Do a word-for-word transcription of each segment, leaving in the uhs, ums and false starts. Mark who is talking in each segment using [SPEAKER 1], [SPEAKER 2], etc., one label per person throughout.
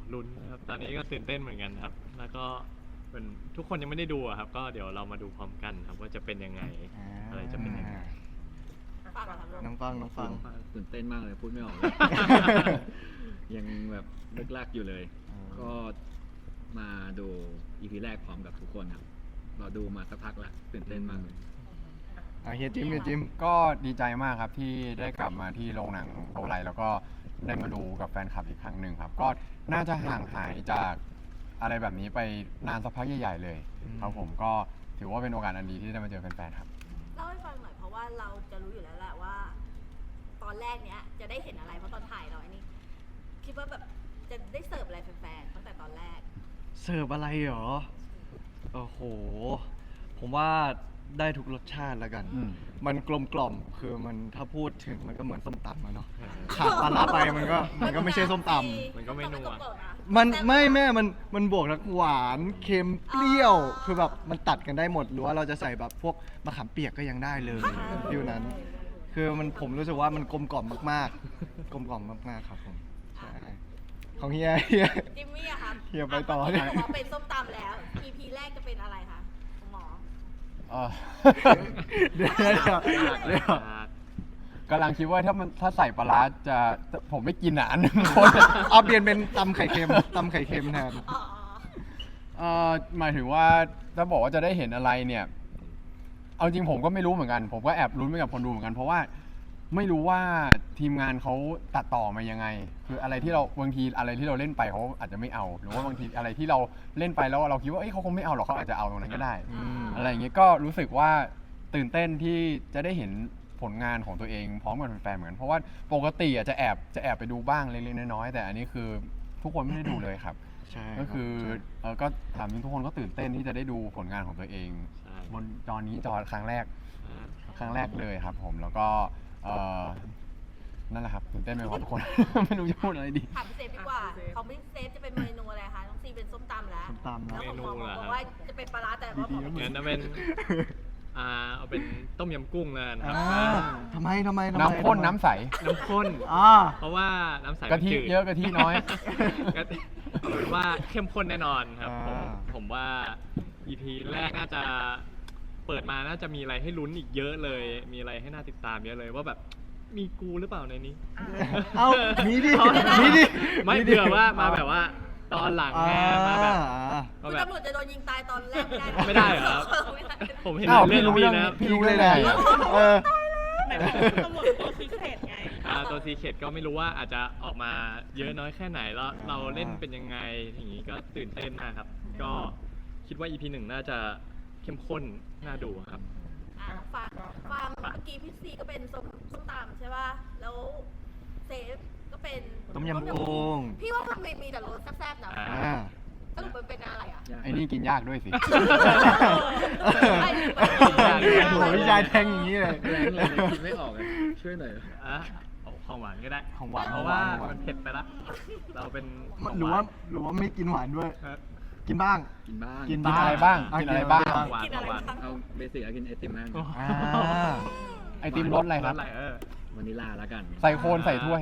[SPEAKER 1] ลุ้นครับตอนนี้ก็ตื่นเต้นเหมือนกันครับแล้วก็เหมือนทุกคนยังไม่ได้ดูอะครับก็เดี๋ยวเรามาดูพร้อมกันครับว่าจะเป็นยังไงอะไรจะเป็นยังไง
[SPEAKER 2] ฟังเหรอครับลูก
[SPEAKER 3] น้องฟังน้องฟัง
[SPEAKER 4] ตื่นเต้นมากเลยพูดไม่ออกเลย ยังแบบลึกลักอยู่เลย ก็มาดูอีพีแรกพร้อมกับทุกคนครับเราดูมาสักพักแล้วตื่นเต้นมากเลย
[SPEAKER 3] อ่ะเฮียจิมเฮียจิม
[SPEAKER 5] ก็ดีใจมากครับที่ได้กลับมาที่โรงหนังโรงไลแล้วก็ได้มาดูกับแฟนคลับอีกครั้งหนึ่งครับ ก็น่าจะห่างหายจากอะไรแบบนี้ไปนานสักพักใหญ่ๆเลยครับผมก็ถือว่าเป็นโอกาสอันดีที่ได้มาเจอแฟนๆครับ
[SPEAKER 2] เล่าให้ฟังหน่อยเพราะว่าเราจะรู้อยู่แล้วแหละว่า ตอนแรกเนี้ยจะได้เห็นอะไรเพราะตอนถ่ายเราไอ้นี่คิดว่าแบบจะได้เสิร์ฟอะไรแฟนๆตั้งแต่ตอนแรก
[SPEAKER 6] เสิร์ฟอะไรหรอ โอ้โห ผมว่าได้ทุกรสชาติแล้วกัน
[SPEAKER 5] อืม
[SPEAKER 6] มันกลมกล่อม คือมันถ้าพูดถึงมันก็เหมือนส้มตำอะเนาะ ขาดปลาร้าไปมันก็มันก็ไม่ใช่ส้มตำ
[SPEAKER 1] มันก็ไม่นัว
[SPEAKER 6] มันไม่แม่ มันมันบวกทั้งหวานเค็มเปรี้ยว คือแบบมันตัดกันได้หมด หรือว่าเราจะใส่แบบพวกมะขามเปียกก็ยังได้เลยฟิวนั้น คือมันผมรู้สึกว่ามันกลมกล่อมมากๆ กลมกล่อมมากๆครับผมใช่ของเฮียเฮีย
[SPEAKER 2] จิมมี่อะครับ
[SPEAKER 6] เฮียไปต่อ
[SPEAKER 2] ที่บอกว่าเป็นส้มตำแล้ว อี พี แรกจะเป็นอะไรคะคุณหมอ
[SPEAKER 5] เออ
[SPEAKER 6] เดี๋ยวเดี๋ยวเดี๋ยวเดี๋ยว
[SPEAKER 5] กำลังคิดว่าถ้ามันถ้าใส่ปลาร้าจะผมไม่กินอ่ะอันหนึงคน
[SPEAKER 6] เอาเปลี่ยนเป็นตำไข่เค็มตำไข่เค็มแทน
[SPEAKER 2] อ๋อ
[SPEAKER 5] เอ่อหมายถึงว่าถ้าบอกว่าจะได้เห็นอะไรเนี่ย เอาจริงผมก็ไม่รู้เหมือนกัน ผมก็แอบลุ้นไปกับคนดูเหมือนกัน เพราะว่าไม่รู้ว่าทีมงานเขาตัดต่อมายังไง คืออะไรที่เราบางทีอะไรที่เราเล่นไปเขาอาจจะไม่เอา หรือว่าบางทีอะไรที่เราเล่นไปแล้วเราคิดว่าเอ้ยเขาคงไม่เอาหรอกเขาอาจจะเอาตรงนั้นก็ได้
[SPEAKER 6] อืม
[SPEAKER 5] อะไรอย่างเงี้ยก็รู้สึกว่าตื่นเต้นที่จะได้เห็นผลงานของตัวเองพร้อมกับแฟนๆเหมือนกันเพราะว่าปกติอ่ะจะแอบจะแอบไปดูบ้างเล็กๆน้อยๆแต่อันนี้คือทุกคนไม่ได้ดูเลยครับ
[SPEAKER 6] ใช่
[SPEAKER 5] ก็คือ
[SPEAKER 6] ใช่
[SPEAKER 5] เออก็ถามจริงทุกคนก็ตื่นเต้นที่จะได้ดูผลงานของตัวเอง
[SPEAKER 1] ใช่
[SPEAKER 5] บนจอนี้จอครั้งแรกครั้งแรกเลยครับ ผมแล้วก็เออนั่นแหละครับตื่นเต้นไปหมดทุกคน ไม่รู้จะพูดอะไรดี
[SPEAKER 2] ถามพี่เซฟดีกว่าของพี่เซฟจะเป็นเมนูอะไรคะน้องซีเป็นส้มตำแล้ว
[SPEAKER 6] ส้มตำนะ
[SPEAKER 2] แล้วของหมอ
[SPEAKER 1] เมนูเหรอ
[SPEAKER 2] บอกว่าจะเป็นปลาร้าแต่ว่าหมอไม่กิ
[SPEAKER 1] งั้
[SPEAKER 2] น
[SPEAKER 1] นเอาเป็น อ่าเอาเป็นต้มยำกุ้งแล้วกันครับ
[SPEAKER 6] อ่าทำไมทำไมทำไม
[SPEAKER 5] น้ำข้นน้ำใส
[SPEAKER 1] น้ำข้น
[SPEAKER 6] อ่า
[SPEAKER 1] เพราะว่าน้ำใส
[SPEAKER 5] กะทิ
[SPEAKER 1] มันจืด
[SPEAKER 5] เยอะกะทิน้อย
[SPEAKER 1] ก็เอาเป็นว่าเข้มข้นแน่นอนครับผม
[SPEAKER 6] อ่า
[SPEAKER 1] ผมว่า อี พี แรกน่าจะเปิดมาน่าจะมีอะไรให้ลุ้นอีกเยอะเลย มีอะไรให้น่าติดตามเยอะเลยว่าแบบมีกูหรือเปล่าในนี้
[SPEAKER 6] เอามีดิ
[SPEAKER 1] เอา
[SPEAKER 6] มีดิ
[SPEAKER 1] ไม่เผื่อว่ามาแบบว่าตอนหลังไงมาแบบ
[SPEAKER 6] อ่า
[SPEAKER 2] คุณ
[SPEAKER 1] มาแบบ
[SPEAKER 2] ตำรวจจะโดนยิงตายตอนแรกได้
[SPEAKER 1] ไม่ได้เหรอครับ
[SPEAKER 2] ไม่ได้
[SPEAKER 1] ผมเห็น
[SPEAKER 5] อ้าว
[SPEAKER 1] เรื่อง
[SPEAKER 5] พี่รู้
[SPEAKER 1] นี้
[SPEAKER 5] เรื่อง
[SPEAKER 1] นะ
[SPEAKER 5] พี่รู้เรื่องอะไร
[SPEAKER 6] เออ
[SPEAKER 7] ตำรวจตัวพิเศษไง
[SPEAKER 1] อ่าตัวซีเคดก็ไม่รู้ว่าอาจจะออกมาเยอะน้อยแค่ไหนแล้วเราเล่นเป็นยังไงอย่างนี้ก็ตื่นเต้นมากครับ ก็คิดว่า อี พี หนึ่งน่าจะเข้มข้นน่าดูครับ
[SPEAKER 2] อ่ะฟังฟังเมื่อกี้พี่ซีก็เป็นส้มส้มตำใช่ป่ะ แล้วเซฟก็เป็น
[SPEAKER 6] ต้มยำกุ้ง
[SPEAKER 2] พี่ว่ามันมีแต่รสแซ่บๆนะ
[SPEAKER 1] อ่า
[SPEAKER 6] อ่า
[SPEAKER 2] สรุปมันเป็นอะไรอ่ะ
[SPEAKER 5] ไอ้นี่กินยากด้วยสิ
[SPEAKER 2] ไอ้
[SPEAKER 6] โอ้ยยายแทงอย่างนี้เลย
[SPEAKER 4] แรงเลยคิดไม่ออกเลยช่วยหน่อย
[SPEAKER 1] อ่ะเอาของหวานก็ได้
[SPEAKER 6] ของหวาน
[SPEAKER 1] เพราะ
[SPEAKER 6] ของหวา
[SPEAKER 1] ว่าน
[SPEAKER 6] ของหวาน
[SPEAKER 1] มันเผ็ดไปละเราเป็นขง
[SPEAKER 6] หรือว่า
[SPEAKER 1] น
[SPEAKER 6] หรือว่าไม่กินหวานด้วย
[SPEAKER 1] เออ
[SPEAKER 6] กินบ้าง
[SPEAKER 4] กินบ้าง
[SPEAKER 6] กิน
[SPEAKER 5] กินอะไรบ้าง
[SPEAKER 6] อ่ะ
[SPEAKER 5] กินอะไรบ้าง
[SPEAKER 1] ของหวาน
[SPEAKER 7] กิน
[SPEAKER 1] ข
[SPEAKER 7] อะ
[SPEAKER 1] อง
[SPEAKER 7] ไร
[SPEAKER 1] หวาน
[SPEAKER 7] บ้าง
[SPEAKER 4] เอาเบสิกกินไอติมบ้าง
[SPEAKER 6] อ่า
[SPEAKER 5] ไอติมรสอะไรครับ
[SPEAKER 1] สอะไรเออ
[SPEAKER 4] วานิลลาแล้วกัน
[SPEAKER 5] ใส่โคนใส่ถ้วย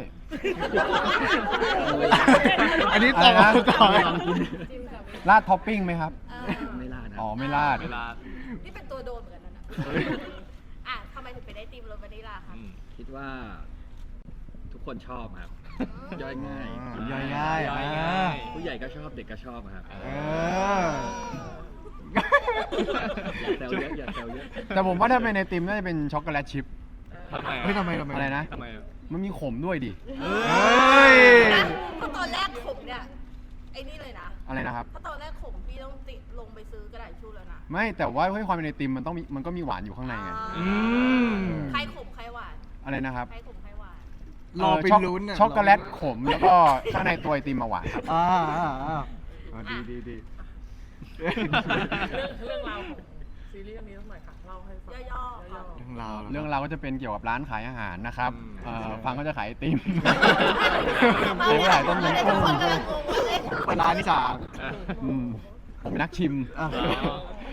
[SPEAKER 6] อันนี้
[SPEAKER 5] อะไร
[SPEAKER 6] ต่อ
[SPEAKER 5] นะ
[SPEAKER 6] ต่อ
[SPEAKER 4] ลองกิน
[SPEAKER 5] ราดท็อปปิ้งไหมครับ
[SPEAKER 2] เออ
[SPEAKER 4] ไม่ลาดนะ
[SPEAKER 5] อ๋อไม่ราด
[SPEAKER 1] เวลา
[SPEAKER 2] นี่เป็นตัวโดนเหมือนกันนะน่ะอ่ะทำไมถึงเป็นไอติมรสวานิลลาคะ
[SPEAKER 1] อืม
[SPEAKER 4] คิดว่าทุกคนชอบครับ ย่อยง่าย
[SPEAKER 6] อ่าย่อยง่าย
[SPEAKER 1] ย่อย
[SPEAKER 6] อ่า
[SPEAKER 1] ง่าย
[SPEAKER 4] ผู้ใหญ่ก็ชอบเด็กก็ชอบครับ
[SPEAKER 6] เออ
[SPEAKER 4] อย่าแซวเยอะอย่าแซวเยอะ
[SPEAKER 5] แต่ผมว่าถ้าเป็นไอติมน่าจะเป็นช็อกโกแลตชิพ
[SPEAKER 1] ทำไม
[SPEAKER 6] เฮ้ยทำไมทำไม
[SPEAKER 5] อะไรนะ
[SPEAKER 1] ทำไมอ่ะ
[SPEAKER 5] มันมีขมด้วยดิ
[SPEAKER 6] เฮ้ย
[SPEAKER 2] นะเพราะตอนแรกผมเนี่ยไอ้นี่เลยนะ
[SPEAKER 5] อะไรนะครับ
[SPEAKER 2] เพราะตอนแรกผมพี่ต้องติดลงไปซื้อกระดาษทิชชู่แล้วนะ
[SPEAKER 5] ไม่แต่ว่าให้ความเป็นไอติมมันต้องมีมันก็มีหวานอยู่ข้างในไง
[SPEAKER 6] อืม
[SPEAKER 2] ใครขมใครหวาน
[SPEAKER 5] อะไรนะครับ
[SPEAKER 2] ใครขมใครหวาน
[SPEAKER 6] รอไป
[SPEAKER 5] เช็อก
[SPEAKER 6] ลุ้นน่ะ
[SPEAKER 5] ช็อกโกแลตขมแล้วก็ข้างในตัวไอติมมาหวานครับ
[SPEAKER 6] อ่าอ่าอ่าอ่าดีดีดี
[SPEAKER 7] เรื่องเรื่องราวของซีรีส์เรื่องนี้ต้องหน่อยค่ะเล่าให้ฟัง
[SPEAKER 2] ย่อๆค่ะ
[SPEAKER 6] เรื่องราวห
[SPEAKER 5] เรื่องเราวก็จะเป็นเกี่ยวกับร้านขายอาหารนะครับเอ่อฟังก็จะขายไอติม
[SPEAKER 2] เอ
[SPEAKER 5] ผมขายต้มยำกุ้ง
[SPEAKER 2] ทุกคนกำลังงงว่าเอ๊ะ
[SPEAKER 6] เป็นร้านที่สาม
[SPEAKER 5] อืมผมเป็นนักชิม
[SPEAKER 6] อ่า
[SPEAKER 1] อ๋อ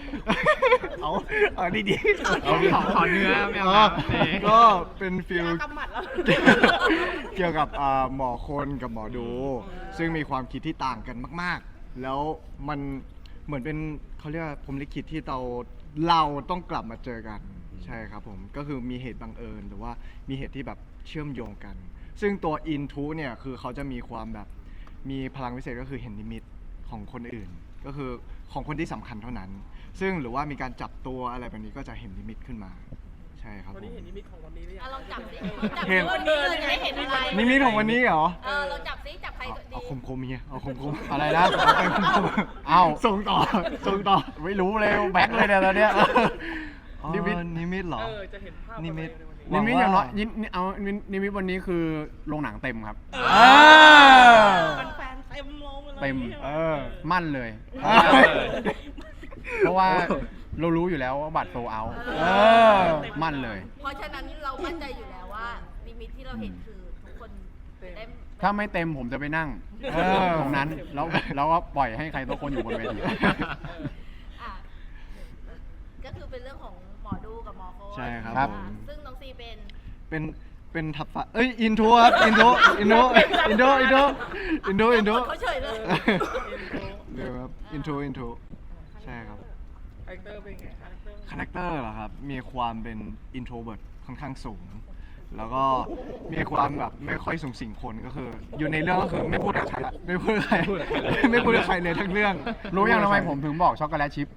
[SPEAKER 6] เอาเอาดีๆ
[SPEAKER 1] เอาขอขอเนื้อไม่เอา
[SPEAKER 6] อ๋อ
[SPEAKER 1] น้ำนี่
[SPEAKER 6] ก็เป็นฟิล
[SPEAKER 7] กำหมัดแล้ว
[SPEAKER 6] เกี่ยวกับอ่าหมอคนกับหมอดู ซึ่งมีความคิดที่ต่างกันมากๆ แล้วมันเหมือนเป็นเขาเรียกว่าผมลิขิตที่เราเราต้องกลับมาเจอกันใช่ครับผมก็คือมีเหตุบังเอิญหรือว่ามีเหตุที่แบบเชื่อมโยงกัน ซึ่งตัวอินทูเนี่ยคือเขาจะมีความแบบมีพลังวิเศษก็คือเห็นนิมิตของคนอื่น ก็คือของคนที่สำคัญเท่านั้น ซึ่งหรือว่ามีการจับตัวอะไรแบบนี้ก็จะเห็นนิมิตขึ้นมาใช่ครับ
[SPEAKER 7] วัน
[SPEAKER 6] ผ
[SPEAKER 7] นี้
[SPEAKER 6] ม
[SPEAKER 7] เห็นนิมิตของวันนี้หรือยัง
[SPEAKER 2] อ่ะลองจับสิ
[SPEAKER 6] เห็
[SPEAKER 2] จับ
[SPEAKER 6] น
[SPEAKER 2] สิวันนี้เลยจะได้เห็นอะไร
[SPEAKER 6] นิมิตของวันนี้เหรอ
[SPEAKER 2] เออเราจับสิจับใคร
[SPEAKER 6] เอา
[SPEAKER 2] ดี
[SPEAKER 6] เอาคมคมๆเฮียเอาคมคมๆ
[SPEAKER 5] อะไรนะ
[SPEAKER 6] เอาไปคมคม
[SPEAKER 5] เอ้า
[SPEAKER 6] ส่งต่อส่งต่อ
[SPEAKER 5] ไม่รู้เลยแบงค์เลยเนี่ยตอนเนี้ย
[SPEAKER 6] อ๋อ
[SPEAKER 5] นิมิต
[SPEAKER 6] นิมิตเหรอ
[SPEAKER 7] เออจะเห็นภาพ
[SPEAKER 6] นิมิต
[SPEAKER 7] อะไรในวันนี้
[SPEAKER 5] นิมิต
[SPEAKER 6] หวังว่า
[SPEAKER 5] อย่างน้อยนินิเอานินิมิตวันนี้คือโรงหนังเต็มครับ
[SPEAKER 6] อ่า
[SPEAKER 7] แฟนๆเต็มโรงเลย
[SPEAKER 5] เต็ม
[SPEAKER 6] เออ
[SPEAKER 5] มั่นเลย
[SPEAKER 6] อ่า
[SPEAKER 5] เพราะว่าเรารู้อยู่แล้วว่าบัตรโซเอา
[SPEAKER 6] เออ
[SPEAKER 5] มั่นเลย
[SPEAKER 2] เพราะฉะนั้นเรามั่นใจอยู่แล้วว่านิมิตที่เราเห็นคือทุกคนจะได้
[SPEAKER 5] ถ้าไม่เต็มผมจะไปนั่ง
[SPEAKER 6] เออ
[SPEAKER 5] ตรงนั้นแล้วแล้วก็ปล่อยให้ใครตัวคนอยู่บนเวที
[SPEAKER 2] อ่ะก็คือเป็นเรื่องของหมอดูกับหมอโค้ช
[SPEAKER 6] ใช่ครับ
[SPEAKER 5] ครับ
[SPEAKER 6] ผม
[SPEAKER 2] ซึ่งน้องซีเป็น
[SPEAKER 6] เป็นเป็นทับฟ้าเอ้ยอินโทรครับอินโทรอินโทรอินโทรอินโทรอินโทรอินโทร
[SPEAKER 2] เขาเฉยเลย
[SPEAKER 6] เดี๋ยวครับอินโทรอินโทรใช่ครับ
[SPEAKER 7] คาแรคเตอร์เป็นไงคาแรคเตอร์
[SPEAKER 6] คาแรคเตอร์เหรอครับ มีความเป็น introvert ค่อนข้างสูง แล้วก็มีความแบบไม่ค่อยสูงสิงคนก็คือ อยู่ในเรื่องก็คือไม่พูดกับใครละไม่พูดกับใคร ไม่พูดกับใครเลยทั้งเรื่อง
[SPEAKER 5] รู้ยังทำไมผมถึงบอกช็อกโกแลตชิพ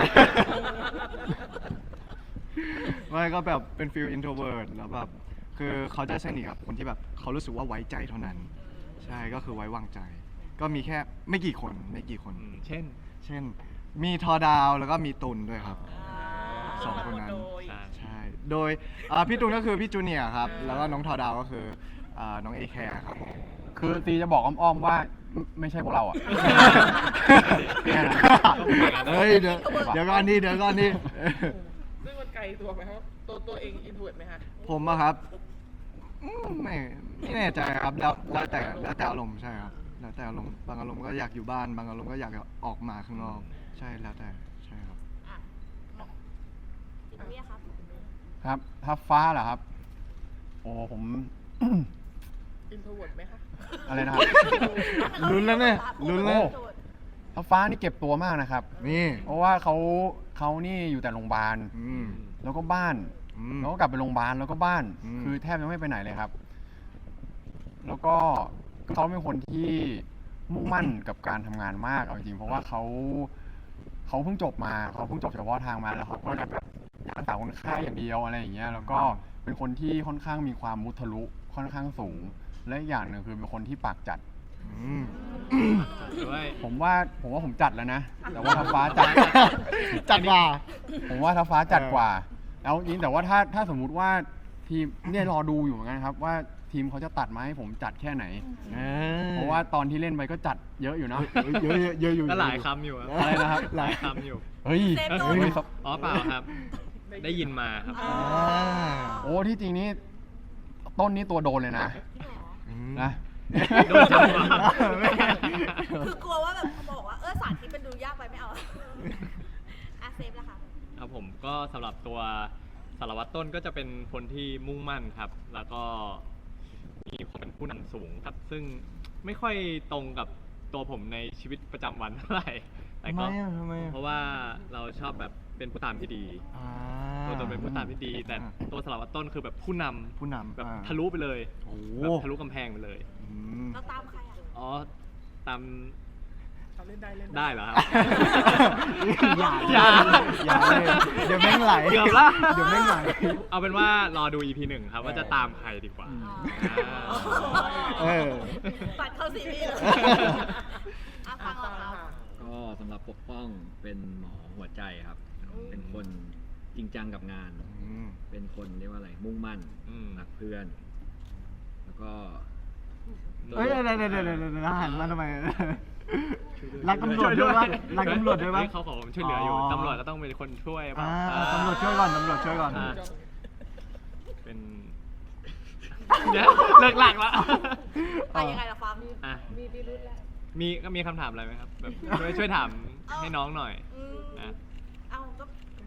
[SPEAKER 6] ไม่ก็แบบเป็นฟิล introvert แล้วแบบคือเขาจะสนิทกับคนที่แบบเขารู้สึกว่าไว้ใจเท่านั้น ใช่ก็คือไว้วางใจ ก็มีแค่ไม่กี่คนไม่กี่คน
[SPEAKER 1] อืมเช่น
[SPEAKER 6] เช่น มีทอดาวแล้วก็มีตุลด้วยครับ สองคนนั้น
[SPEAKER 7] โดย
[SPEAKER 1] ใช่
[SPEAKER 6] ใช่ โดยอ่าพี่ตุลก็คือพี่จูเนียร์ครับ แล้วก็น้องทอดาวก็คืออ่าน้องเอแคร์ครับผม
[SPEAKER 5] คือตีจะบอกอ้อมๆว่าไม่ไม่ใช่พวกเราอ่ะ แค่นั้น
[SPEAKER 6] เฮ้ยเดี๋ยวเดี๋ยวก่อนนี่เดี๋ยวก่อนนี่
[SPEAKER 7] ซึ่งมันไกลตัวไหมครับ ตัวตัวเองอินทูเวิร์ดไหมฮะ
[SPEAKER 6] ผมอะครับอืมไม่ไม่แน่ใจครับแล้วแล้วแต่แล้วแต่อารมณ์ใช่ครับแล้วแต่อารมณ์บางอารมณ์ก็อยากอยู่บ้านบางอารมณ์ก็อยากออกมาข้างนอกใช่แล้วแต่ใช่ครับ
[SPEAKER 2] อ่ะจิตวิทยาครับ
[SPEAKER 5] ครับถ้าฟ้าเหรอครับ โอ้ผม
[SPEAKER 7] อินทูเวิร์ดไหมคะ
[SPEAKER 5] อะไรนะครับ
[SPEAKER 6] ลุ้นแล้วเนี่ยลุ้นแล้ว
[SPEAKER 5] ถ้าฟ้านี่เก็บตัวมากนะครับ
[SPEAKER 6] นี่
[SPEAKER 5] เพราะว่าเขาเขานี่อยู่แต่โรงพยาบาล
[SPEAKER 6] อืม
[SPEAKER 5] แล้วก็บ้าน
[SPEAKER 6] อืม
[SPEAKER 5] แล้วก็กลับไปโรงพยาบาลแล้วก็บ้าน
[SPEAKER 6] อืม
[SPEAKER 5] คือแทบจะไม่ไปไหนเลยครับ แล้วก็เขาเป็นคนที่มุ่งมั่นกับการทำงานมากเอาจริงๆเพราะว่าเขาเขาเพิ่งจบมาเขาเพิ่งจบเฉพาะทางมาแล้วเขาก็จะแบบอยากรักษาคนไข้อย่างเดียวอะไรอย่างเงี้ย แล้วก็เป็นคนที่ค่อนข้างมีความมุทะลุค่อนข้างสูง และอีกอย่างหนึ่งคือเป็นคนที่ปากจัด
[SPEAKER 6] อืม
[SPEAKER 1] ด้วย
[SPEAKER 5] ผมว่าผมว่าผมจัดแล้วนะ แต่ว่าท้าฟ้าจัด
[SPEAKER 6] จัดว่า
[SPEAKER 5] ผมว่าท้าฟ้าจัดกว่า แล้วจริงแต่ว่าถ้าถ้าสมมุติว่าทีมเนี่ยรอดูอยู่เหมือนกันครับ ว่าทีมเขาจะตัดมาให้ผมจัดแค่ไหน เพราะว่าตอนที่เล่นไปก็จัดเยอะอยู่เนาะ
[SPEAKER 6] เยอะเยอะเยอะอยู่
[SPEAKER 1] ก็หลายคำอยู่อะ
[SPEAKER 5] อะไรนะครับ
[SPEAKER 1] หลายคำอยู่
[SPEAKER 5] เฮ้ย
[SPEAKER 2] เซฟโดน
[SPEAKER 5] เฮ้ย
[SPEAKER 1] อ๋อเปล่าครับ ได้ยินมาครับ
[SPEAKER 6] อ่า
[SPEAKER 5] โอ้ที่จริงนี่ต้นนี้ตัวโดนเลยนะ
[SPEAKER 6] อืม
[SPEAKER 5] นะ
[SPEAKER 1] โดนจับมา
[SPEAKER 2] คือกลัวว่าแบบเขาบอกว่าเออสารที่มันดูยากไปไม่เอาอ่ะเซฟแล้วค่ะ
[SPEAKER 1] ครับผมก็สำหรับตัวสารวัตรต้นก็จะเป็นคนที่มุ่งมั่นครับ แล้วก็มีความเป็นผู้นำสูงครับ ซึ่งไม่ค่อยตรงกับตัวผมในชีวิตประจำวันเท่าไหร่แต่
[SPEAKER 6] ทำไม
[SPEAKER 1] ก็
[SPEAKER 6] อ่ะทำไมอ่ะ
[SPEAKER 1] เพราะว่าเราชอบแบบเป็นผู้ตามที่ดี
[SPEAKER 6] อ่า
[SPEAKER 1] ตัวตนเป็นผู้ตามที่ดี แต่ตัวสารวัตรต้นคือแบบผู้นำ
[SPEAKER 6] ผู้นำ
[SPEAKER 1] แบบ
[SPEAKER 6] อ่า
[SPEAKER 1] ทะลุไปเลย
[SPEAKER 6] โอ้โห
[SPEAKER 1] แบบทะลุกำแพงไปเลย
[SPEAKER 6] อืม
[SPEAKER 2] เราตามใครอ่ะ
[SPEAKER 1] อ๋อตาม
[SPEAKER 7] ทำเล่นได้เล่น
[SPEAKER 1] ได้เหรอครับ
[SPEAKER 6] อย่า
[SPEAKER 1] อย่า
[SPEAKER 6] อย่าเลยเดี๋ยวแม่งไหล
[SPEAKER 1] เกือบละ
[SPEAKER 6] เดี๋ยวแม่งไหล
[SPEAKER 1] เอาเป็นว่ารอดู อี พี หนึ่งครับว่าจะตามใครดีกว่า
[SPEAKER 2] อ๋อ
[SPEAKER 6] เออ
[SPEAKER 2] ปัดเข้าซีรีส์เลยอ่ะฟังเราเรา
[SPEAKER 4] ก็สำหรับปกป้องเป็นหมอหัวใจครับ เป็นคนจริงจังกับงาน
[SPEAKER 6] อืม
[SPEAKER 4] เป็นคนเรียกว่าอะไร มุ่งมั่น
[SPEAKER 1] อืม
[SPEAKER 4] รักเพื่อน แล้วก็
[SPEAKER 6] เอ้ยเดี๋ยวเดี๋ยวเดี๋ยวเดี๋ยวเดี๋ยวหันมาทำไมรักตำรวจด้วยปะรักตำรวจด้วยปะ
[SPEAKER 1] เฮ้เขาขอผมช่วยเหลืออยู่
[SPEAKER 6] อ๋อ
[SPEAKER 1] ตำรวจก็ต้องเป็นคนช่วยเปล่า
[SPEAKER 6] อ่าตำรวจช่วยก่อนตำรวจช่วยก่อน
[SPEAKER 1] อ่าเป็น เดี๋ยวเลิกหลักละ
[SPEAKER 2] ไปยังไงล่ะฟัง
[SPEAKER 1] อ่ะ
[SPEAKER 7] มีพิรุธแล้ว
[SPEAKER 1] มีก็มีคำถามอะไรไหมครับแบบช่วยช่วยถามให้น้องหน่อย
[SPEAKER 2] อืม
[SPEAKER 1] นะ
[SPEAKER 2] เอ้า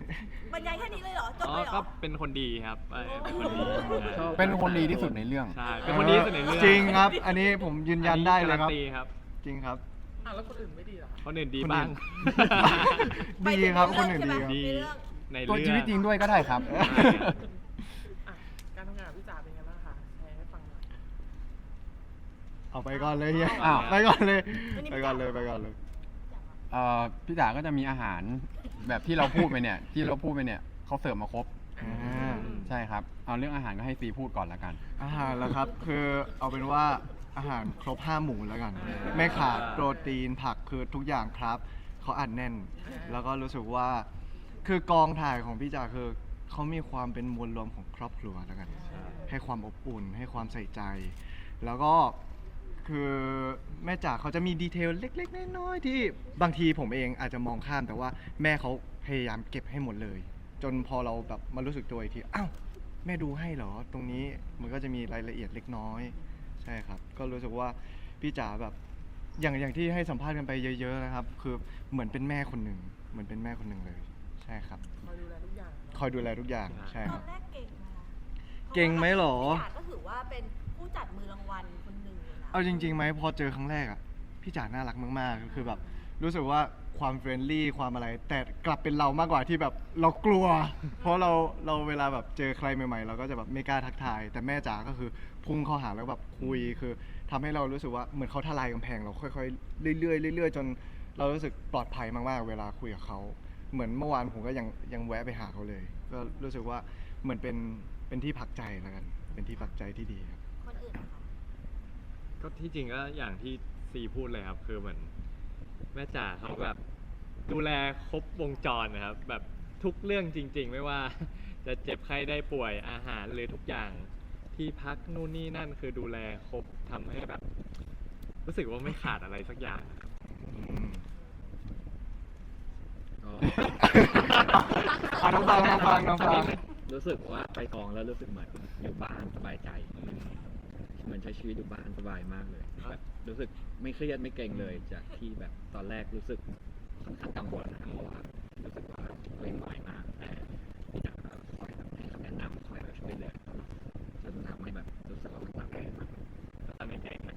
[SPEAKER 2] บรรยายแค่นี้เลยเหรอจบ
[SPEAKER 1] อ๋อ
[SPEAKER 2] เลยเหร
[SPEAKER 1] ก็
[SPEAKER 2] อ
[SPEAKER 1] เป็นคนดีครับเออเป็นคนดี
[SPEAKER 4] ชอบ
[SPEAKER 5] เป็นคนดีที่สุดในเรื่อง
[SPEAKER 1] ใช่เป็นคนดีที่สุดในเรื่อง
[SPEAKER 6] จริงครับ อันนี้ผมยืนยันได้เลยครับ
[SPEAKER 1] อันนี้การันตีครับ
[SPEAKER 6] จริงครับ
[SPEAKER 7] อ่ะแล้วคนอื่นไม่ดีเหรอคะ
[SPEAKER 1] คนอื่นดี
[SPEAKER 6] คนอื่น
[SPEAKER 1] บ้าง
[SPEAKER 6] ดีครับคนอื่นดีครับ
[SPEAKER 1] ดี
[SPEAKER 2] ในเรื่อง
[SPEAKER 1] ใน
[SPEAKER 5] ตัว
[SPEAKER 1] เรื่อง
[SPEAKER 5] ชีวิตจริงด้วยก็ได้ครับ
[SPEAKER 7] อ่ะการทำงานกับพี่จ๋าเป็นไงบ้างคะแชร์ให้ฟังหน่อย
[SPEAKER 6] เอาไปก่อนเลยเฮีย
[SPEAKER 5] อ้าว
[SPEAKER 6] ไปก่อนเลย
[SPEAKER 2] วันนี้
[SPEAKER 6] ไปก่อนเลยไปก่อนเลย
[SPEAKER 5] เอ่อพี่จ๋าก็จะมีอาหารแบบที่เราพูดไปเนี่ย ที่เราพูดไปเนี่ยเขาเสิร์ฟมาครบ
[SPEAKER 6] อ่า
[SPEAKER 5] ใช่ครับ เอาเรื่องอาหารก็ให้ซีพูดก่อนละกัน
[SPEAKER 6] อาหารแล้วครับ คือเอาเป็นว่าอาหารครบห้าหมู่แล้วกัน ไม่ขาดโปรตีนผักคือทุกอย่างครับเขาอัดแน่น แล้วก็รู้สึกว่าคือกองถ่ายของพี่จ๋าคือเขามีความเป็นมวลรวมของครอบครัวแล้วกัน ให้ความอบอุ่นให้ความใส่ใจ แล้วก็คือแม่จ๋าเขาจะมีดีเทลเล็กๆน้อยๆที่บางทีผมเองอาจจะมองข้ามแต่ว่าแม่เขาพยายามเก็บให้หมดเลย จนพอเราแบบมารู้สึกตัวอีกทีอ้าวแม่ดูให้เหรอ ตรงนี้มันก็จะมีรายละเอียดเล็กน้อยใช่ครับ ก็รู้สึกว่าพี่จ๋าแบบอย่างอย่างที่ให้สัมภาษณ์กันไปเยอะๆนะครับ คือเหมือนเป็นแม่คนหนึ่งเหมือนเป็นแม่คนหนึ่งเลย ใช่ครับ
[SPEAKER 7] คอยดูแลทุกอย่างเนอะ
[SPEAKER 6] คอยดูแลทุกอย่างใช่
[SPEAKER 2] ต
[SPEAKER 6] ค
[SPEAKER 2] อ
[SPEAKER 6] รับ
[SPEAKER 2] นแรกเก่งนะคะ
[SPEAKER 6] เก่งไหมหรอ
[SPEAKER 2] พี่จ๋าก็ถือว่าเป็นผู้จัดมือรางวัลคนหนึ่งเลยนะ
[SPEAKER 6] เอาจริงๆไหมพอเจอครั้งแรกอ่ะพี่จ๋าน่ารักมากๆคือแบบรู้สึกว่าความเฟรนลี่ความอะไร แต่กลับเป็นเรามากกว่าที่แบบเรากลัว เพราะเราเราเวลาแบบเจอใครใหม่ๆ เราก็จะแบบไม่กล้าทักทาย แต่แม่จ๋าก็คือพุ่งเข้าหาแล้วแบบคุยคือทำให้เรารู้สึกว่าเหมือนเขาทลายกำแพงเราค่อยๆเรื่อยๆเรื่อยๆจนเรารู้สึกปลอดภัยมากๆเวลาคุยกับเขาเหมือนเมื่อวานผมก็ยังยังแวะไปหาเขาเลย ก็รู้สึกว่าเหมือนเป็นเป็นที่พักใจแล้วกัน เป็นที่พักใจที่ดีครับ
[SPEAKER 2] คนอื่นนะคะ
[SPEAKER 1] ก็ที่จริงก็อย่างที่ซีพูดเลยครับ คือเหมือนแม่จ๋าเขาแบบดูแลครบวงจรนะครับ แบบทุกเรื่องจริง ๆ ไม่ว่า จะเจ็บไข้ได้ป่วยอาหารหรือทุกอย่างที่พักนู่นนี่นั่นคือดูแลครบทำให้แบบ รู้สึกว่าไม่ขาดอะไรสักอย่างครับ
[SPEAKER 4] ก็
[SPEAKER 6] อ่ะน้องฟังน้องฟังน้องฟัง
[SPEAKER 4] รู้สึกว่าไปกองแล้วรู้สึกเหมือนอยู่บ้านสบายใจ เหมือนใช้ชีวิตอยู่บ้านสบายมากเลยแบบรู้สึกไม่เครียดไม่เกรงเลยจากที่แบบตอนแรกรู้สึกค่อนข้างกังวลนะเพราะว่ารู้สึกว่าตัวเองน้อยมากแต่ที่จะคอยแบบให้คำแนะนำคอยแบบช่วยเหลือจนทำให้แบบรู้สึกว่ามันปรับเปลี่ยนมากตอนนี้เองนะ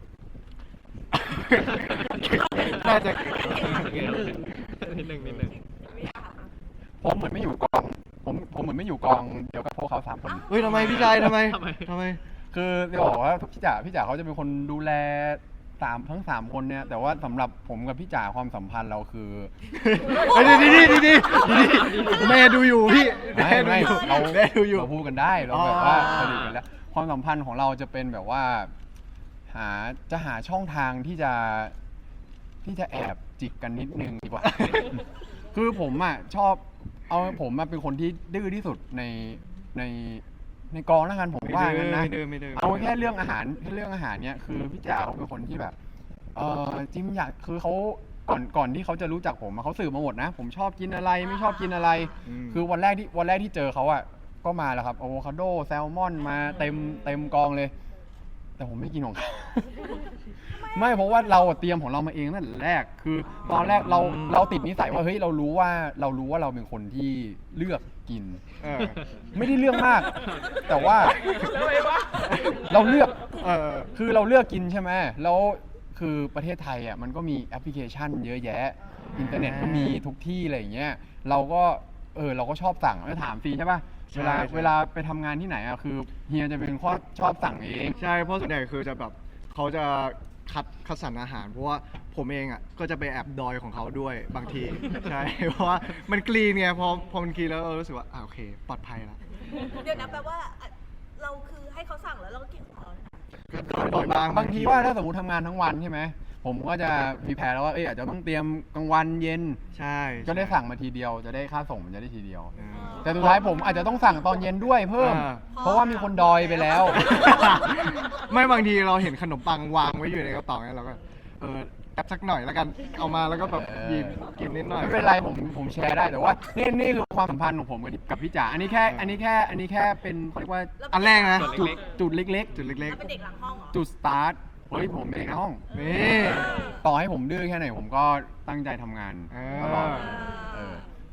[SPEAKER 6] น่าจะ
[SPEAKER 1] นิดนึงนิดนึง
[SPEAKER 5] ผมเหมือนไม่อยู่กอง ผมผมเหมือนไม่อยู่กองเดียวกับพวกเขาสามคน
[SPEAKER 6] เฮ้ยทำไมพี่ชายทำไม
[SPEAKER 1] ทำไม
[SPEAKER 6] ทำไม
[SPEAKER 5] คือจะบอกว่าพี่จ๋าพี่จ๋าเขาจะเป็นคนดูแลสามทั้งสามคนเนี่ย แต่ว่าสำหรับผมกับพี่จ๋าความสัมพันธ์เราคือ
[SPEAKER 6] เฮ้ยดีดีดีดีดีดีแม่ดูอยู่พี่
[SPEAKER 5] ไม่ไม่
[SPEAKER 6] แดูอยู่
[SPEAKER 5] เรา
[SPEAKER 6] แม่ดูอยู่
[SPEAKER 5] เราพูดกันได้เราแบบว่า
[SPEAKER 6] อ๋อ
[SPEAKER 5] สนิทกันแล้วความสัมพันธ์ของเราจะเป็นแบบว่า หาจะหาช่องทางที่จะที่จะแอบจิกกันนิดนึงดีกว่า คือผมอ่ะชอบเอาผมมาเป็นคนที่ดื้อที่สุดในในในกองแล้วกันผมว่างั้นนะ
[SPEAKER 6] ไม่ดื้อไม่ดื้อไม่ดื้อ
[SPEAKER 5] เอาแค่เรื่องอาหารแค่เรื่องอาหารเนี้ยคือพี่จ๋าเขาเป็นคนที่แบบเออจิมอยากคือเขาก่อนก่อนที่เขาจะรู้จักผมอะเขาสืบมาหมดนะ ผมชอบกินอะไรไม่ชอบกินอะไร
[SPEAKER 6] ม
[SPEAKER 5] คือวันแรกที่วันแรกที่เจอเขาอ่ะก็มาแล้วครับอะโวคาโดแซลมอนมาเต็มเต็มกองเลย แต่ผมไม่กินของเขา ไม่เพราะว่าเราอะเตรียมของเรามาเองตั้งแต่แรก คือตอนแรกเราเราติดนิสัยว่าเฮ้ยเรารู้ว่าเรารู้ว่าเราเป็นคนที่เลือกกิน
[SPEAKER 6] เออ
[SPEAKER 5] ไม่ได้เลือกมาก แต่ว่าเราเลือก
[SPEAKER 6] เออ
[SPEAKER 5] คือเราเลือกกินใช่ไหมแล้วคือประเทศไทยอ่ะมันก็มีแอปพลิเคชันเยอะแยะ อินเทอร์เน็ตก็มีทุกที่อะไรอย่างเงี้ย เราก็เออเราก็ชอบสั่งแล้วถามฟรีใช่ป่ะ
[SPEAKER 6] ใช่
[SPEAKER 5] เวลา
[SPEAKER 6] ใช่
[SPEAKER 5] เวลาไปทำงานที่ไหนอ่ะคือเฮียจะเป็นข้อชอบสั่งเอง
[SPEAKER 6] ใช่เพราะส่วนใหญ่คือจะแบบเขาจะคัดคัดสรรอาหาร เพราะว่าผมเองอ่ะก็จะไปแอบดอยของเขาด้วยบางที ใช่ เพราะว่ามันกรีนไงพอพอมันกรีนแล้วเรารู้สึกว่าอ่าโอเค ปลอดภัยละ
[SPEAKER 2] เดี๋ยวนะแปลว่าอ่ะเราคือให้เขาสั่งแล้วเราก็กินของเรา
[SPEAKER 6] ก็ดอยบ้าง
[SPEAKER 5] บางทีว่าถ้าสมมติทำงานทั้งวันใช่ไหมผมก็จะมีแผนแล้วว่าเอ้ยอาจจะต้องเตรียมกลางวันเย็น
[SPEAKER 6] ใช่
[SPEAKER 5] ก็ได้สั่งมาทีเดียวจะได้ค่าส่งมันจะได้ทีเดียว
[SPEAKER 6] อ่า
[SPEAKER 5] แต่สุดท้ายผมอาจจะต้องสั่งตอนเย็นด้วยเพิ่ม
[SPEAKER 6] อ่า
[SPEAKER 5] เพราะว่ามีคนดอยไปแล้ว
[SPEAKER 6] ไม่บางทีเราเห็นขนมปังวางไว้อยู่ในกระเป๋าเนี่ยเราก็เออแอบสักหน่อยแล้วกันเอามาแล้วก็แบบหยิบกินนิดหน่อย
[SPEAKER 5] ไม่เป็นไรผมผมแชร์ได้แต่ว่านี่นี่คือความสัมพันธ์ของผมกับกับพี่จ๋าอันนี้แค่อันนี้แค่อันนี้แค่เป็นเขาเรียกว่า
[SPEAKER 6] อันแรกนะ
[SPEAKER 1] จุ
[SPEAKER 5] จุ
[SPEAKER 1] ด
[SPEAKER 5] ด
[SPEAKER 1] เล็ก
[SPEAKER 5] จุดเล็ก
[SPEAKER 6] จุดเล็ก
[SPEAKER 2] แล้วเป็นเด็กหลังห้องเหรอ
[SPEAKER 5] ๆ จุดสตาร์ทเฮ้ยผมเองในห้อง
[SPEAKER 6] ๆนี่
[SPEAKER 5] ต่อให้ผมดื้อแค่ไหนผมก็ตั้งใจทำงาน
[SPEAKER 6] เออ
[SPEAKER 5] ตลอดเออ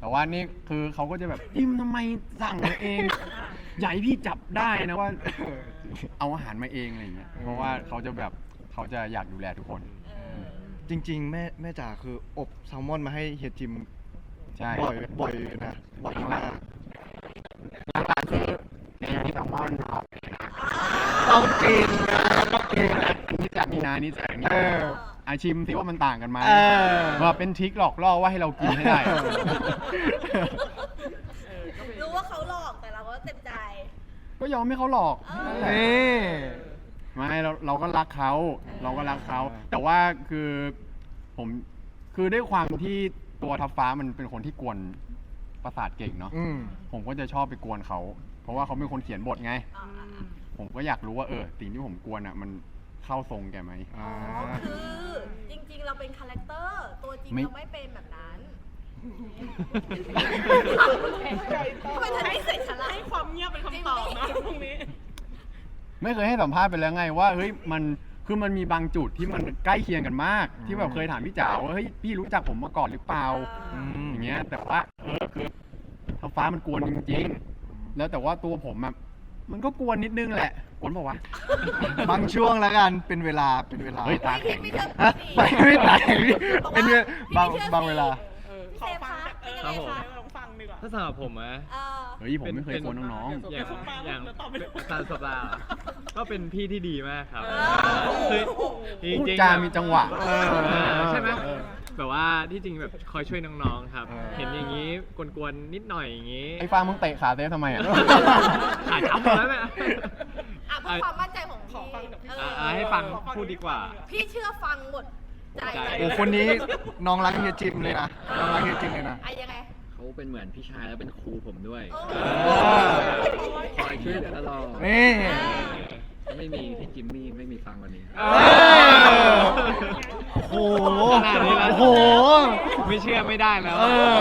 [SPEAKER 5] แต่ว่านี่คือเขาก็จะแบบจิมทำไมสั่งมาเอง ใหญ่พี่จับได้นะว่า เอาอาหารมาเองอะไรอย่างเงี้ยเพราะว่าเขาจะแบบเขาจะอยากดูแลทุกคน
[SPEAKER 6] จริง ๆ แม่แม่จ๋าคืออบแซลมอนมาให้เฮียจิม
[SPEAKER 5] ใช่
[SPEAKER 6] บ่อยบ่อยอยู่นะบ่อยมาก
[SPEAKER 5] หลังๆคือในนี้แซลมอนครับ
[SPEAKER 6] ต้องกินนะต้องกินนะ
[SPEAKER 5] นี่จากนี่นะนี่จากนี่
[SPEAKER 6] เออ
[SPEAKER 5] อาชิมสิว่ามันต่างกันไหม
[SPEAKER 6] เออ
[SPEAKER 5] ว่าเป็นทริคหลอกล่อว่าให้เรากินให้ได้
[SPEAKER 2] รู้ว่าเขาหลอกแต่เราก็เต็มใจ
[SPEAKER 5] ก็ยอมให้เขาหลอก
[SPEAKER 2] เออ
[SPEAKER 6] นี่
[SPEAKER 5] ไม่เราเราก็รักเขาเราก็รักเขาแต่ว่าคือผมคือด้วยความที่ตัวทัพฟ้ามันเป็นคนที่กวนประสาทเก่งเนาะ
[SPEAKER 6] อืม
[SPEAKER 5] ผมก็จะชอบไปกวนเขาเพราะว่าเขาเป็นคนเขียนบทไง
[SPEAKER 2] อ่า
[SPEAKER 5] ผมก็อยากรู้ว่าเออสิ่งที่ผมกวนอ่ะมันเข้าทรงแกไหม
[SPEAKER 6] อ่า
[SPEAKER 2] อ๋อคือจริงๆ เราเป็นคาแรคเตอร์ ตัวจริง
[SPEAKER 5] ไม่
[SPEAKER 2] เราไม่เป็นแบบนั้นทำไมเธอไม่ใส่ฉลาด
[SPEAKER 7] ให้ความเงียบเป็นคำตอบนะตรงนี้
[SPEAKER 5] ไม่เคยให้สัมภาษณ์ไปแล้วไงว่าเฮ้ยมันคือมันมีบางจุดที่มันใกล้เคียงกันมาก ที่แบบเคยถามพี่จ๋าว่าเฮ้ยพี่รู้จักผมมาก่อนหรือเปล่า
[SPEAKER 6] อืม
[SPEAKER 5] อย่างเงี้ยแต่ว่าเออคือท้าฟ้ามันกวนจริงๆแล้วแต่ว่าตัวผมอะมันก็กวนนิดนึงแหละกวนบอกว่าวะ
[SPEAKER 6] บางช่วงแล้วกันเป็นเวลาเป็นเวลา
[SPEAKER 5] เฮ้ยตาแข็ง
[SPEAKER 2] ไม่เชื่อ
[SPEAKER 6] ฮะไปไม่ตายเป็นเวลาบาง
[SPEAKER 2] พี่ไม่ชื่อสิ
[SPEAKER 6] บางเวลา
[SPEAKER 7] เออ
[SPEAKER 2] พี่
[SPEAKER 7] ขอ
[SPEAKER 2] เซฟ
[SPEAKER 7] ฟัง
[SPEAKER 2] คะ
[SPEAKER 7] เออ
[SPEAKER 2] เป็นยังไง
[SPEAKER 7] ขอ
[SPEAKER 2] คะ
[SPEAKER 7] ลองฟังดีกว่า
[SPEAKER 1] ถ้าสำหรับผมอะ
[SPEAKER 2] เออ
[SPEAKER 5] เฮ้ยผมไม่เคยกวนน้อง
[SPEAKER 1] อย่าง
[SPEAKER 7] เดี๋ยวผม
[SPEAKER 1] อย่าง
[SPEAKER 7] เดี๋ยวตอบไม่ถูก
[SPEAKER 1] ตาสปาเหรอก็เป็นพี่ที่ดีมากครับ
[SPEAKER 2] เออ
[SPEAKER 1] คือจ
[SPEAKER 5] พูด
[SPEAKER 1] ริงๆ
[SPEAKER 5] จา
[SPEAKER 1] แบบ
[SPEAKER 5] มีจังหวะ
[SPEAKER 6] เออ
[SPEAKER 1] เออใช่ไหม
[SPEAKER 6] เออ
[SPEAKER 1] แบบว่าที่จริงแบบคอยช่วยน้องๆครับ
[SPEAKER 6] เออ
[SPEAKER 1] เห็นอย่างนี้กวนๆนิดหน่อยอย่างนี้
[SPEAKER 5] ไอ้ฟ้ามึงเตะขาเซฟทำไมอ่ะ
[SPEAKER 1] ขาช้ำหมดแล้วเนี่ย
[SPEAKER 2] อ่ะเพื่อความมั่นใจของ
[SPEAKER 7] ขอ
[SPEAKER 2] พี่
[SPEAKER 7] ฟังจากพี่
[SPEAKER 2] เอ
[SPEAKER 1] อ่ะ
[SPEAKER 2] อ
[SPEAKER 1] อ่ะให้ฟังพูดดีกว่า
[SPEAKER 2] พี่เชื่อฟังหมดใจ
[SPEAKER 1] ใจ
[SPEAKER 6] โอ้คนนี้น้องรักเฮียจิมเลยนะน้องรักเฮียจิมเลยนะ
[SPEAKER 2] อ่ะยังไง
[SPEAKER 4] เขาเป็นเหมือนพี่ชายแล้วเป็นครูผมด้วย
[SPEAKER 2] โอ้
[SPEAKER 4] คอยช่วยเหลือตลอด
[SPEAKER 6] นี่
[SPEAKER 4] ถ้าไม่มีพี่จิมมี่ไม่มีฟังวันนี้
[SPEAKER 6] เออโอ้โห
[SPEAKER 1] ขนาดนี้แล้ว
[SPEAKER 6] โอ้โห
[SPEAKER 1] ไม่เชื่อไม่ได้แล้ว
[SPEAKER 6] เออ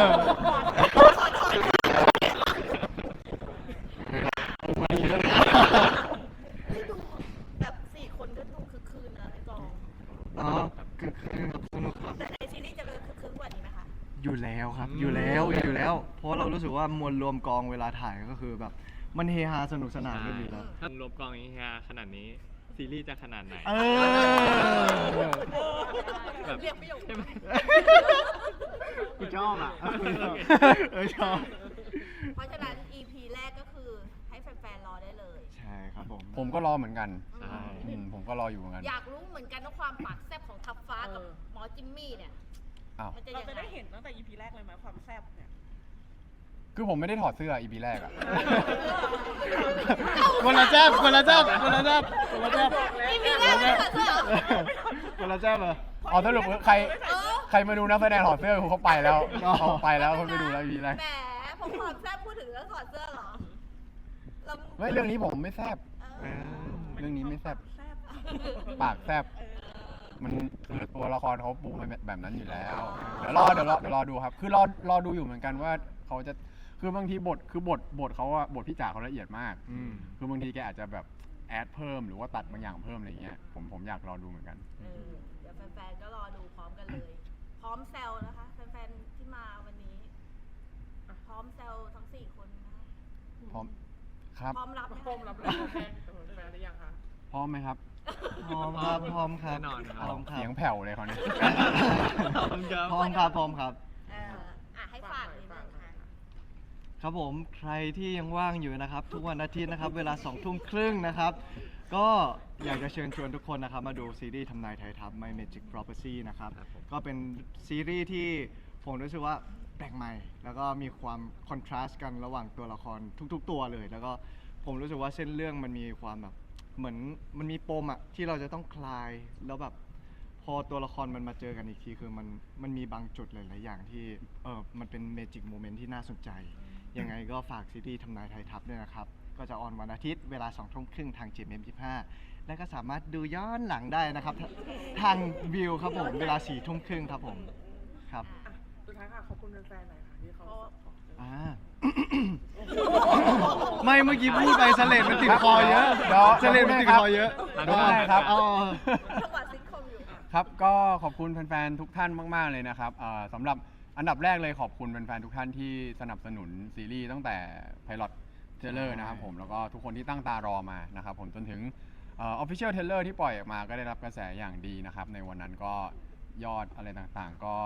[SPEAKER 2] แบบสี่คนก็ดูคึกคืนนะในกอง
[SPEAKER 6] อ๋อคือคือสนุกครับ
[SPEAKER 2] แต่ในซีรีส์จะเป็นคึกคืนกว่านี้ไหมคะ
[SPEAKER 6] อยู่แล้วครับ
[SPEAKER 1] อืม
[SPEAKER 6] อยู่แล้วอยู่แล้ว เพราะเรารู้สึกว่ามวลรวมกองเวลาถ่ายก็คือแบบ มันเฮฮาสนุกสนานกันอยู่แล้ว
[SPEAKER 1] ถ้ารวมกองอย่างนี้ฮะขนาดนี้ ซีรีส์จะขนาดไหน
[SPEAKER 6] เออ
[SPEAKER 1] แบบ
[SPEAKER 2] เรียกประโยค
[SPEAKER 1] ใช่ไหม
[SPEAKER 6] กูชอบอ่ะเออชอบ
[SPEAKER 2] เพราะฉะนั้น อี พี แรกก็คือให้แฟนๆ รอได้เลย
[SPEAKER 6] ใช่ครับผม
[SPEAKER 5] ผมก็รอเหมือนกัน
[SPEAKER 1] ใช่
[SPEAKER 5] อืมผมก็รออยู่เหมือนกัน
[SPEAKER 2] อยากรู้เหมือนกันว่าความปากแซ่บของทับฟ้ากับหมอจิมมี่เนี่ย
[SPEAKER 5] อ้าว
[SPEAKER 2] มันจะ
[SPEAKER 7] เรา
[SPEAKER 2] ยัง
[SPEAKER 7] จะ
[SPEAKER 2] ไง
[SPEAKER 7] ได้เห็นตั้งแต่ อี พี แรกเลยไหมความแซ่บเนี่ย
[SPEAKER 5] คือผมไม่ได้ถอดเสื้ออีพีแรกอะ
[SPEAKER 6] คนละแจ๊บคนละแจ๊บคนละแจ๊บคนละแจ๊บ
[SPEAKER 2] อี พี แรกไม่ถอดเสื้อเหรอ
[SPEAKER 6] คนละแจ๊บเหรอ
[SPEAKER 5] อ๋อสรุปใคร
[SPEAKER 2] เออ
[SPEAKER 5] ใครมาดูนักแสดงถอดเสื้อเขาไปแล้ว
[SPEAKER 6] อ๋อ
[SPEAKER 5] เขาไปแล้วเขาไปดูแล้วอีพีแรก
[SPEAKER 2] แหมผมความแซ่บพูดถึงเรื่องถอดเสื้อเหรอเรา
[SPEAKER 5] เฮ้ยเรื่องนี้ผมไม่แซบ
[SPEAKER 2] เออ
[SPEAKER 5] เรื่องนี้ไม่แซบ
[SPEAKER 7] แซ่บ
[SPEAKER 5] ปากแซบมันคือตัวละครเขาปูมาแบบนั้นอยู่แล้ว เดี๋ยวรอเดี๋ยวรอเดี๋ยวรอดูครับ คือรอรอดูอยู่เหมือนกันว่าเขาจะคือบางทีบทคือบทบทเขาอะบทพี่จ๋าเขาละเอียดมาก
[SPEAKER 6] อืม
[SPEAKER 5] คือบางทีแกอาจจะแบบแอดเพิ่มหรือว่าตัดบางอย่างเพิ่มอะไรเงี้ยผมผมอยากรอดูเหมือนกัน
[SPEAKER 2] เออเดี๋ยวแฟนๆ ก็รอดูพร้อมกันเลย พร้อมแซวนะคะ แฟนๆ ที่มาวันนี้ พร้อมแซวทั้งสี่คนนะคะ
[SPEAKER 5] พร้อมครับ
[SPEAKER 2] พร้อมรับไหม
[SPEAKER 7] โฟมรับเลยแฟนแฟนหรือยังคะ
[SPEAKER 5] พร้อมไหมครับ
[SPEAKER 6] พร้อมครับพร้อมครับ
[SPEAKER 1] แน่นอนครับ
[SPEAKER 6] พร้อมครับ
[SPEAKER 5] เสียงแผ่วเลยเขาวนี้
[SPEAKER 1] ขอบคุณครับ
[SPEAKER 6] พร้อมครับพร้อมครับ
[SPEAKER 2] เอออ่ะให้ฝากนิดนึงค่ะ
[SPEAKER 6] ครับผมใครที่ยังว่างอยู่นะครับ ทุกวันอาทิตย์นะครับ เวลาสองทุ่มครึ่งนะครับ ก็อยากจะเชิญชวนทุกคนนะครับ มาดูซีรีส์ทำนายไทยทัพ My Magic Property นะครับ
[SPEAKER 1] ครับผม
[SPEAKER 6] ก็เป็นซีรีส์ที่ผมรู้สึกว่าแปลกใหม่ แล้วก็มีความคอนทราสต์กันระหว่างตัวละครทุกๆ ตัวเลย แล้วก็ผมรู้สึกว่าเส้นเรื่องมันมีความแบบเหมือนมันมีปมอะที่เราจะต้องคลายแล้วแบบ พอตัวละครมันมาเจอกันอีกทีคือมันมันมีบางจุดหลาย ๆ อย่างที่เออมันเป็นเมจิกโมเมนต์ที่น่าสนใจ ยังไงก็ฝากซีรีส์ทำนายไทยทัพด้วยนะครับ ก็จะออนวันอาทิตย์เวลาสองทุ่มครึ่งทาง จี เอ็ม ยี่สิบห้า และก็สามารถดูย้อนหลังได้นะครับ ทาทางวิวครับผม เวลาสี่ทุ่มครึ่งครับผมครับ
[SPEAKER 7] อ่ะสุดท้ายค่ะขอบคุณแฟนๆหน่อยค่ะที่เขา
[SPEAKER 6] อ่า ไม่เมื่อกี้พูดไปสเลดมันติดคอเยอะ
[SPEAKER 5] เดี๋ยว
[SPEAKER 6] สเลดมันติดคอเยอะ
[SPEAKER 5] เดี๋ยวได้ครับ
[SPEAKER 6] อ๋อ
[SPEAKER 2] จังหวะซิทคอมอยู่
[SPEAKER 5] ครับก็ขอบคุณแฟนๆ ทุกท่านมาก ๆ เลยนะครับเอ่อสำหรับอันดับแรกเลยขอบคุณแฟนๆทุกท่านที่สนับสนุนซีรีส์ตั้งแต่ไพลอตเทเลอร์นะครับผมแล้วก็ทุกคนที่ตั้งตารอมานะครับผมจนถึงเออฟฟิเชียลเทเลอร์ที่ปล่อยออกมาก็ได้รับกระแสอย่างดีนะครับในวันนั้นก็ยอดอะไรต่างๆก็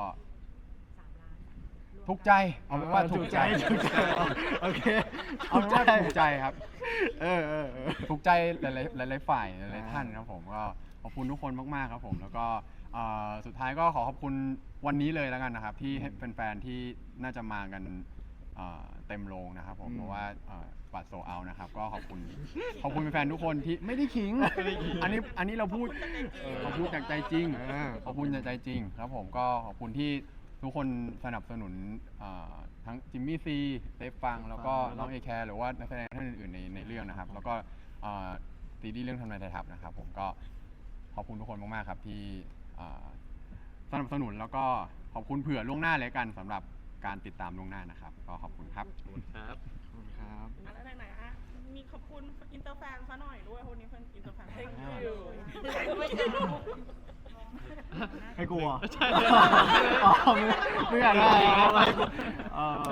[SPEAKER 5] ถูกใจเอาเป็นว่าถูกใจ
[SPEAKER 6] ถูกใจโอเค
[SPEAKER 5] เอาเป็นว่าถูกใจครับ
[SPEAKER 6] เออเออเออ
[SPEAKER 5] ถูกใจหลายๆหลายๆฝ่ายหลายๆท่านครับผมก็ขอบคุณทุกคนมากๆครับผมแล้วก็เอ่อสุดท้ายก็ขอขอบคุณวันนี้เลยแล้วกันนะครับที่ให้แฟนๆที่น่าจะมากันเอ่อเต็มโรงนะครับผม
[SPEAKER 6] อืม
[SPEAKER 5] เพราะว่าเอ่อบัตรโซเอานะครับก็ขอบคุณขอบคุณแฟนๆทุกคนที่ไม่ได้ขิงอันนี้อันนี้เราพูดขอบคุณจากใจจริงขอบคุณจากใจจริงครับผมก็ขอบคุณที่ทุกคนสนับสนุนเอ่อทั้งจิมมี่ซีเซฟฟังแล้วก็น้องเอแคร์หรือว่านักแสดงท่านอื่นๆในในเรื่องนะครับแล้วก็เอ่อซีรีส์เรื่องทำนายไทยทัพนะครับผมก็ขอบคุณทุกคนมากๆครับที่เอ่อสนับสนุนแล้วก็ขอบคุณเผื่อล่วงหน้าเลยกันสำหรับการติดตามล่วงหน้านะครับก็ขอบคุณครับ
[SPEAKER 1] ครับ
[SPEAKER 6] ขอบคุณครับ
[SPEAKER 7] อ่ะแล้วไหนๆอ่ะมีขอบคุณอินเตอร์แฟนซะหน่อยด้วยคนนี้เป็นอินเตอร์แฟน thank you
[SPEAKER 6] ให้กลัว
[SPEAKER 1] ใช่
[SPEAKER 6] อ๋อไม่ไม่อยากได้อะไรเอ่อ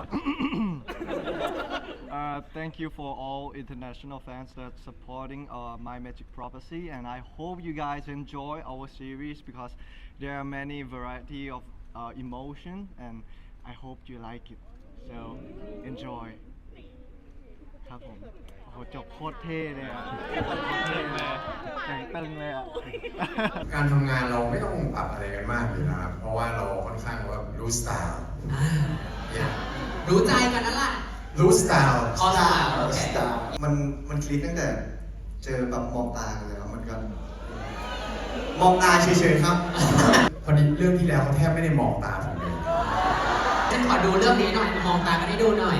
[SPEAKER 6] Uh, thank you for all international fans that supporting uh, My Magic Prophecy, and I hope you guys enjoy our series because there are many variety of uh, emotion, and I hope you like it. So enjoy. ครับผมโอ้โหจบโคตรเท่เลยอ่ะเท่เลยแต่งตึงเลยอ่ะ
[SPEAKER 8] การทำงานเราไม่ต้องปรับอะไรกันมากอยู่นะครับ เพราะว่าเราค่อนข้างว่ารู้สไตล์เนี่ย
[SPEAKER 9] รู้ใจกันนั่นแหละ
[SPEAKER 8] รู้สไตล์
[SPEAKER 9] อ๋อสไตล์โอเค
[SPEAKER 10] มันมันคลิกตั้งแต่เจอแบบมองตากันเลยครับมันก็มองตาเฉยๆครับ
[SPEAKER 8] พอดีเรื่องที่แล้วเขาแทบไม่ได้มองตาผมเลย
[SPEAKER 9] ฉันขอดูเรื่องนี้หน่อย มองตากันให้ดูหน่อย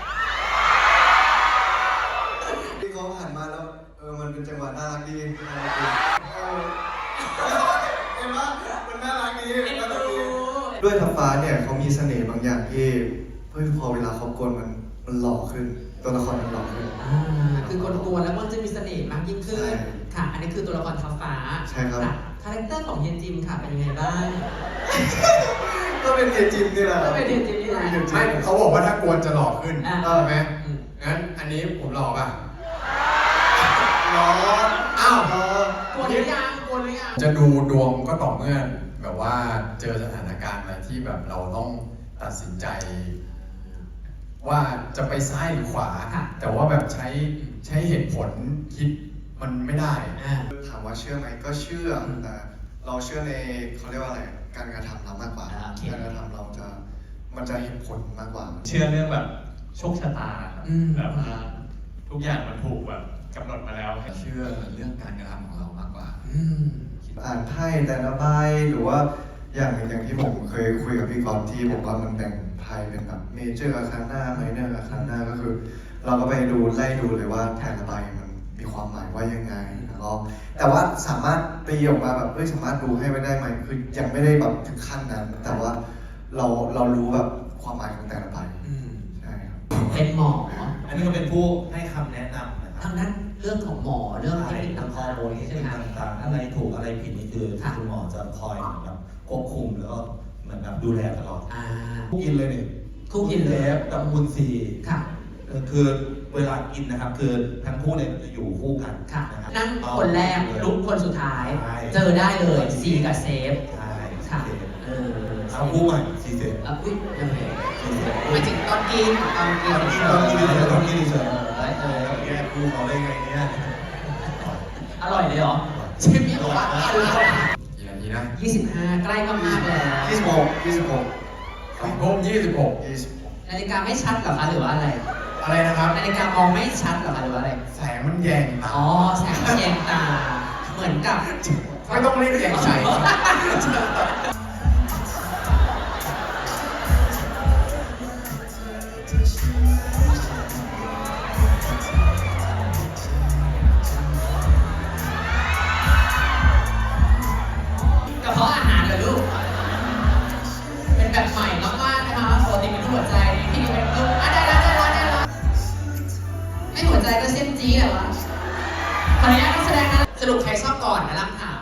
[SPEAKER 10] ที่เขาหันมาแล้วเออมันเป็นจังหวะน่ารักดีน่ารักดีเออเห็นปะมันน่ารักดีน่ารักดีด้วยทัพฟ้าเนี่ยเขามีเสน่ห์บางอย่างที่เฮ้ยพอเวลาเขากวนมันมันหล่อขึ้นตัวละครมันหล่อขึ้น
[SPEAKER 9] อ่า คือคนกวนแล้วมันจะมีเสน่ห์มากยิ่งขึ้น
[SPEAKER 10] ใช่
[SPEAKER 9] ค่ะ อันนี้คือตัวละครท้าฟ้า
[SPEAKER 10] ใช่ครับ
[SPEAKER 9] ะคาแรคเตอร์ของเฮียจิมค่ะ เป็นยังไงบ้าง
[SPEAKER 10] ก็เป็นเอจิมนี่แหละ
[SPEAKER 9] ก็เป็นเฮียจิมนี่แหละ
[SPEAKER 8] ไม่เขาบอกว่าถ้ากวนจะหล่อขึ้น
[SPEAKER 9] อ่า
[SPEAKER 8] ใช่ไหม
[SPEAKER 9] อืม
[SPEAKER 8] งั้นอันนี้ผมหล่อป่ะ
[SPEAKER 10] หล่อ
[SPEAKER 8] อ้าว
[SPEAKER 10] หล่อก
[SPEAKER 9] วนหรือยังกวนหรือยัง
[SPEAKER 8] จะดูดวงก็ต่อเมื่อแบบว่าเจอสถานการณ์อะไรที่แบบเราต้องตัดสินใจ ว่าจะไปซ้ายหรือขวา
[SPEAKER 9] ค่ะ
[SPEAKER 8] แต่ว่าแบบใช้ใช้เหตุผลคิดมันไม่ได้
[SPEAKER 9] อ่า
[SPEAKER 10] ถามว่าเชื่อไหมก็เชื่อแต่เราเชื่อในเขาเรียกว่าอะไรการกระทำเรามากกว่า
[SPEAKER 9] อ่าโอเค
[SPEAKER 10] การกระทำเราจะมันจะเห็นผลมากกว่า
[SPEAKER 11] เชื่อเรื่องแบบโชคชะตาครับ
[SPEAKER 9] อืม
[SPEAKER 11] แบบว่าทุกอย่างมันถูกแบบกำหนดมาแล้ว
[SPEAKER 8] เชื่อเรื่องการกระทำของเรามากกว่า
[SPEAKER 9] อืม
[SPEAKER 10] อ่านไพ่แต่ละใบหรือว่าอย่างอย่างที่ผมเคยคุยกับพี่กรณ์ที่บอกว่ามันแบ่งไพ่เป็นแบบเมเจอร์อาคาน่าไมเนอร์อาคาน่าก็คือ เราก็ไปดูไล่ดูเลยว่าแต่ละใบมันมีความหมายว่ายังไงแล้วก็แต่ว่าสามารถตีออกมาแบบเอ้ยสามารถดูให้ไม่ได้ไหมคือยังไม่ได้แบบถึงขั้นนั้น แต่ว่าเราเรารู้แบบความหมายของแต่ละใบ
[SPEAKER 9] อืม
[SPEAKER 10] ใช่ครับ
[SPEAKER 9] เป็นหมอ
[SPEAKER 11] อันนี้ก็เป็นผู้ให้คำแนะนำนะครั
[SPEAKER 9] ทางด้านเรื่องของหมอเรื่องเทคนิค
[SPEAKER 11] ทางฮอ
[SPEAKER 9] ต่าง
[SPEAKER 11] ร์โมน
[SPEAKER 9] ๆใช่ไหมคะ
[SPEAKER 11] ต่างๆอะไรถูกอะไรผิดนี่คือ
[SPEAKER 9] ค่ะ
[SPEAKER 11] คุณหมอจะคอยเหมือนแบบควบคุมแล้วก็เหมือนแบบดูแลตลอด
[SPEAKER 9] อ่า
[SPEAKER 11] คู่กินเลยนี่
[SPEAKER 9] คู่กินเลย
[SPEAKER 11] ฟกับมุนซี
[SPEAKER 9] ค่ะ
[SPEAKER 11] เออคือเวลากินนะครับ คือทั้งคู่เนี่ยจะอยู่คู่กัน
[SPEAKER 9] ค่ะ
[SPEAKER 11] นะครับ
[SPEAKER 9] นั่นคนแรกลุกคนสุดท้าย
[SPEAKER 11] ใช่
[SPEAKER 9] เจอได้เลยซีกับเซฟ
[SPEAKER 11] ใช่
[SPEAKER 9] ค่ะ
[SPEAKER 11] โอเค
[SPEAKER 9] เออ
[SPEAKER 11] เอาคู่ใหม่ซีเซน
[SPEAKER 9] อ่ะอุ้ยยังไงไม่ถึงตอนกินตอนกิน
[SPEAKER 11] ต้องกินเฉยๆต้องกินเฉย
[SPEAKER 9] เออเออ
[SPEAKER 11] ๆแยกคู่เขาได้ไงเนี่ย
[SPEAKER 9] อร่อยเลยเหรอเชฟเนี่ยบอกว่าอร่อย
[SPEAKER 8] กี่นาทีนะ
[SPEAKER 9] ยี่สิบห้าใกล้มากๆแล้ว
[SPEAKER 10] ยี่สิบหกยี่สิบหก
[SPEAKER 8] สองทุ่มยี่สิบหก
[SPEAKER 10] ยี่สิบหก
[SPEAKER 9] นาฬิกาไม่ชัดเหรอคะหรือว่าอะไร
[SPEAKER 8] อะไรนะครับ
[SPEAKER 9] นาฬิกามองไม่ชัดเหรอคะหรือว่าอะไร
[SPEAKER 8] แสงมันแยงตา
[SPEAKER 9] อ๋อแสงมันแยงตา เหมือนกับ
[SPEAKER 8] ไม่ต้องรีบแยงใจ
[SPEAKER 9] กระเพาะอาหารเหรอลูก เป็นแบบใหม่มากๆนะคะปกติเป็นรูปหัวใจที่นี่เป็นรูปอ่ะได้แล้วได้แล้วได้แล้วไม่หัวใจก็เส้นจี๊ดเหรอวะขออนุญาตนักแสดงนะสรุปใครชอบก่อนนะลำถาม